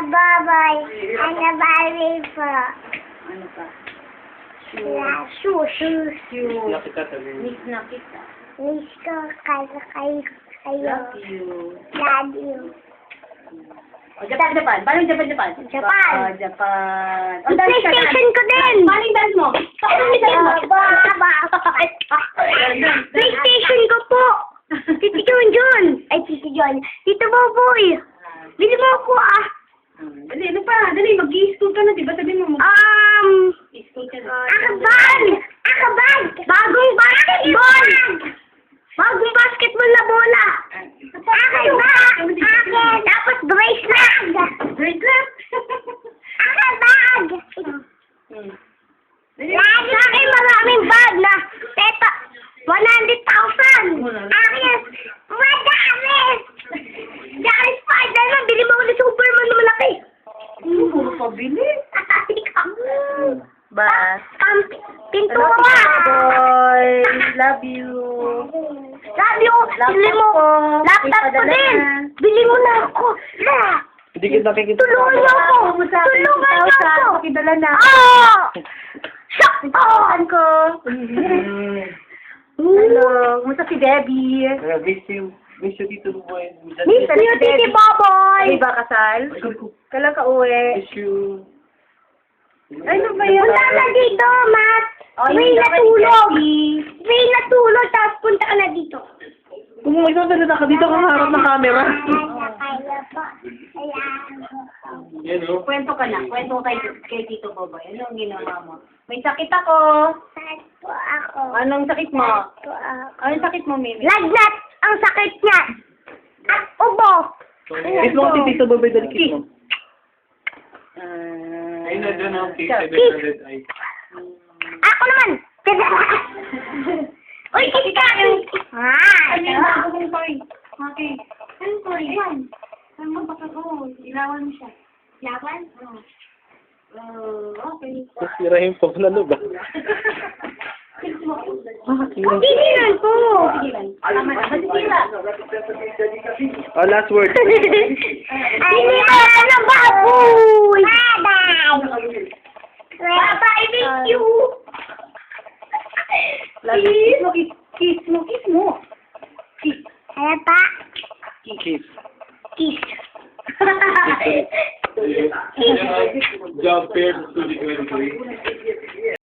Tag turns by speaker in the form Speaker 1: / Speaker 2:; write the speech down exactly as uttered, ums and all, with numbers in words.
Speaker 1: baboy. Ano Barbie po.
Speaker 2: Ano pa?
Speaker 1: Shoes. Shoes.
Speaker 2: Shoes.
Speaker 3: Nakita sabi mo.
Speaker 2: Miss na kita.
Speaker 1: Miss ko kayo kayo. Kayo.
Speaker 2: Love you.
Speaker 1: Love you.
Speaker 2: O, Japan, Japan. Paano yung Japan, Japan?
Speaker 1: Japan.
Speaker 2: Oh, Japan. O,
Speaker 1: Yung
Speaker 2: dance ka,
Speaker 1: PlayStation
Speaker 2: dance.
Speaker 1: ko din.
Speaker 2: Paano yung dance mo? Paano yung dance mo?
Speaker 1: Baba. PlayStation ko po. Titi John John. Ay, Titi John. Tito Boboy. Bili mo ako ah.
Speaker 2: Dali, ano pa? Dali, mag-i-school ka na, diba? Sabi mo,
Speaker 1: Um,
Speaker 2: mag-i-school ka na.
Speaker 1: akabag. Akabag. Bagong basketball. Bagong basketball na bola. Akin ba? Akin. Tapos bracelet.
Speaker 2: Bracelet?
Speaker 1: Akabag.
Speaker 2: Hmm.
Speaker 1: Lagi akin maraming bag na teta one hundred thousand. Akin, madami. Dahil Spider-Man, bili mo ulit Superman na malaki.
Speaker 2: Puro pabili.
Speaker 1: Ikaw.
Speaker 2: Bas.
Speaker 1: Pam,
Speaker 2: Love
Speaker 1: pintura.
Speaker 2: boy. Love you.
Speaker 1: Sabi ko, bili mo. Laptop ko din. Bili mo na ako. Na.
Speaker 3: Hindi kita nakikita.
Speaker 1: Tulungan niyo ako. Tulungan niyo ako.
Speaker 2: Pakidala na.
Speaker 1: Oh! Sakto!
Speaker 2: Saan ko?
Speaker 3: Mm.
Speaker 2: Hello. Kumusta si Debbie?
Speaker 3: Uh, miss you. Miss you dito boy.
Speaker 1: Miss you, Titi Boboy.
Speaker 2: Ay ba kasal? Kailan ka uwi?
Speaker 3: Miss you.
Speaker 2: Ano ba yun?
Speaker 1: Punta na dito, Matt.
Speaker 2: Oh,
Speaker 1: May
Speaker 2: hindi ka
Speaker 1: natulog.
Speaker 2: ni
Speaker 1: May natulog, tapos punta ka na dito.
Speaker 3: Kung mo magsasalita ka dito kang harap ng camera.
Speaker 1: Kaya po. Kaya
Speaker 3: Yan o.
Speaker 2: Kwento ka na. Kwento kay, kay Tito Boboy. Anong ginawa mo? May sakit ako.
Speaker 1: Saan po ako?
Speaker 2: Anong sakit mo?
Speaker 1: Po ako.
Speaker 2: Anong sakit mo, Mimi?
Speaker 1: Lagnat ang sakit niya. At ubo.
Speaker 3: Kiss mo kasi Tito Boboy, dali kiss mo.
Speaker 2: Uh,
Speaker 3: Ayun na dyan ang cake
Speaker 2: Kiss.
Speaker 3: seven hundred ay.
Speaker 1: Ako naman. Uy, kiss ka. Ah.
Speaker 2: Ano yung bago mong toy? Okay. Anong toy? Yan. Ano mo baka ko? Ilawan mo siya.
Speaker 1: Laban?
Speaker 2: Oo. Oh, okay.
Speaker 3: Nasirahin pa pala no ba?
Speaker 2: Kiss mo.
Speaker 1: Hindi lang po.
Speaker 2: Sige lang. Tama na. Masisira.
Speaker 3: Oh, last word.
Speaker 1: Hindi mo ako ng baboy. Bye-bye. Bye-bye, miss you.
Speaker 2: Love you. Kiss mo. Kiss, kiss mo. Kiss mo. Kiss.
Speaker 1: Kaya pa?
Speaker 3: Kiss.
Speaker 1: Kiss.
Speaker 3: Job fair to the twenty-three.